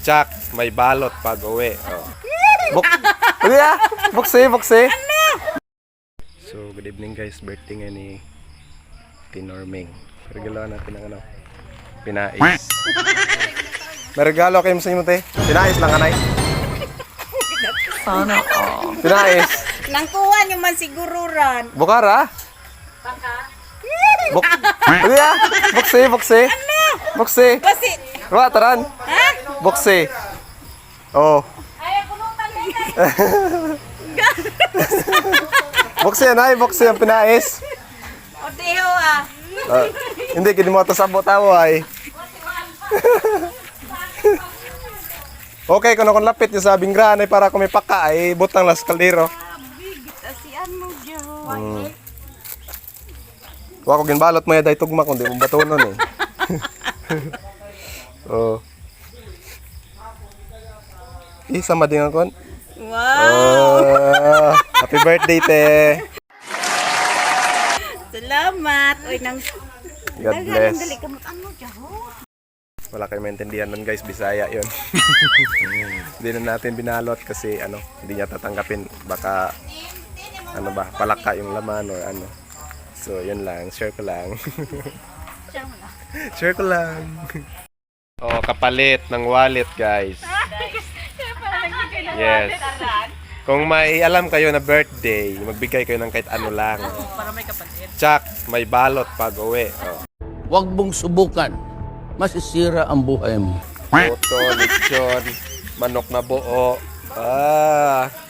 Tsak, may balot pag uwi. Oh. Buksi. So, good evening guys. Birthday nga ni Tinorming. Regalo natin ang ano, pinais. May regalo kayo sa inyo, te. Pinais lang, anay. Sana Pinais. Nangkuhan yung man sigururan. Bukara? Buksi. Buksi. Kasi, Ruwa, taran. ha? Buksi. Oh. Ay, punutan na. Buksi, anay. Buksi ang pinais. O, diho ah. Hindi, kini mo ito sabot ako ay. Okay, kung lapit yung sabing granay para kung may paka ay butang las kaldero. Asian mo, diho. Huwag ko ginbalot mo yaday tugma kundi mong batunon eh. Oh. Isa mading akon. Wow. Oh, happy birthday, te. Salamat. Uy, nang... God bless. Dali ka mo. Ano, diho? Wala kayong maintindihan nun guys, Bisaya yun. Hindi na natin binalot kasi ano, hindi niya tatanggapin. Baka, ano ba, palaka yung laman or ano. So, yun lang. Share ko lang. Share ko lang. Oh, kapalit ng wallet guys. Yes. Kung may alam kayo na birthday, magbigay kayo ng kahit ano lang. Para may kapatid. Tsak, may balot pag uwi. Oh. Huwag mong subukan. Masisira ang buhay mo. Puto, lechon, manok na buo. Ah,